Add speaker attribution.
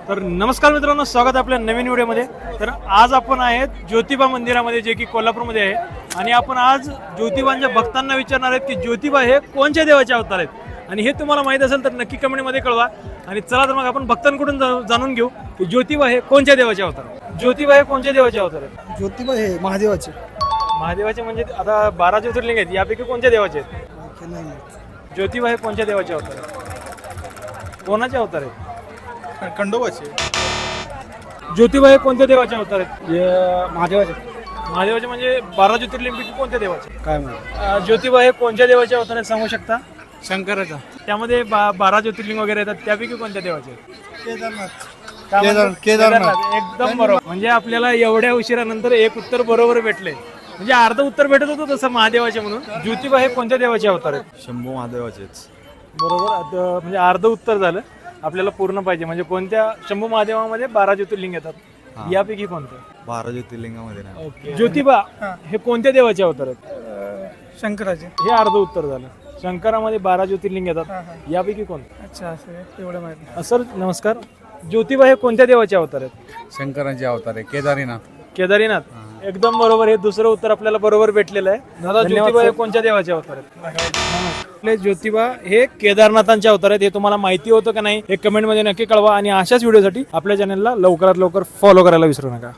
Speaker 1: तर नमस्कार मित्रांनो, स्वागत आहे आपल्या नवीन व्हिडिओमध्ये. तर आज आपण आहेत ज्योतिबा मंदिरामध्ये, जे की कोल्हापूरमध्ये आहे. आणि आपण आज ज्योतिबांच्या भक्तांना विचारणार आहेत की ज्योतिबा हे कोणत्या देवाचे अवतार आहेत. आणि हे तुम्हाला माहीत असेल तर नक्की कमेंटमध्ये कळवा. आणि चला तर मग आपण भक्तांकडून जाणून घेऊ की ज्योतिबा हे कोणत्या देवाचे अवतार आहेत. ज्योतिबा हे कोणत्या देवाचे अवतार आहेत?
Speaker 2: ज्योतिबा हे महादेवाचे.
Speaker 1: महादेवाचे म्हणजे आता 12 ज्योतिर्लिंग आहेत, यापैकी कोणत्या देवाचे आहेत?
Speaker 2: बाकी नाही माहित.
Speaker 1: ज्योतिबा हे कोणत्या देवाचे अवतार आहेत? कोणाचे अवतार आहेत?
Speaker 2: खंडोबाचे.
Speaker 1: ज्योतिबा हे कोणत्या देवाचे अवतार आहेत?
Speaker 2: महादेवाचे.
Speaker 1: महादेवाचे म्हणजे 12 ज्योतिर्लिंगपैकी कोणत्या देवाचे?
Speaker 2: काय माहिती.
Speaker 1: ज्योतिबा हे कोणत्या देवाचे अवतार आहेत सांगू शकता?
Speaker 2: शंकराचा.
Speaker 1: त्यामध्ये 12 ज्योतिर्लिंग वगैरे येतात, त्यापैकी कोणत्या देवाचे आहेत?
Speaker 2: केदारनाथ.
Speaker 1: काय म्हणतात?
Speaker 2: केदारनाथ.
Speaker 1: एकदम बरोबर. म्हणजे आपल्याला एवढ्या उशिरानंतर एक उत्तर बरोबर भेटले. म्हणजे अर्ध उत्तर भेटत होतं तसं महादेवाचे म्हणून. ज्योतिबा हे कोणत्या देवाचे अवतार आहेत?
Speaker 3: शंभू महादेवाचेच.
Speaker 1: बरोबर. म्हणजे अर्ध उत्तर झालं. आपल्याला पूर्ण पाहिजे. म्हणजे कोणत्या शंभू महादेवामध्ये 12 ज्योतिर्लिंग येतात, यापैकी कोणतं?
Speaker 3: 12 ज्योतिर्लिंगामध्ये नाही.
Speaker 1: ओके. ज्योतिबा हे कोणत्या देवाचे अवतार आहेत?
Speaker 2: शंकराचे.
Speaker 1: हे अर्ध उत्तर झालं. शंकरामध्ये 12 ज्योतिर्लिंग येतात, यापैकी कोणतं?
Speaker 2: अच्छा, असं एवढं माहिती.
Speaker 1: सर नमस्कार. ज्योतिबा हे कोणत्या देवाचे अवतार आहेत?
Speaker 4: शंकरांचे अवतार आहे. केदारीनाथ.
Speaker 1: केदारीनाथ. एकदम बरोबर. हे दुसरं उत्तर आपल्याला बरोबर भेटलेलं आहे. दादा, ज्योतिबा हे कोणत्या देवाचे अवतार आहेत? आपले ज्योतिबा हे केदारनाथांचे अवतार आहेत. हे तुम्हाला माहिती होतं का नाही हे कमेंटमध्ये नक्की कळवा. आणि अशाच व्हिडिओसाठी आपल्या चॅनलला लवकरात लवकर फॉलो करायला विसरू नका.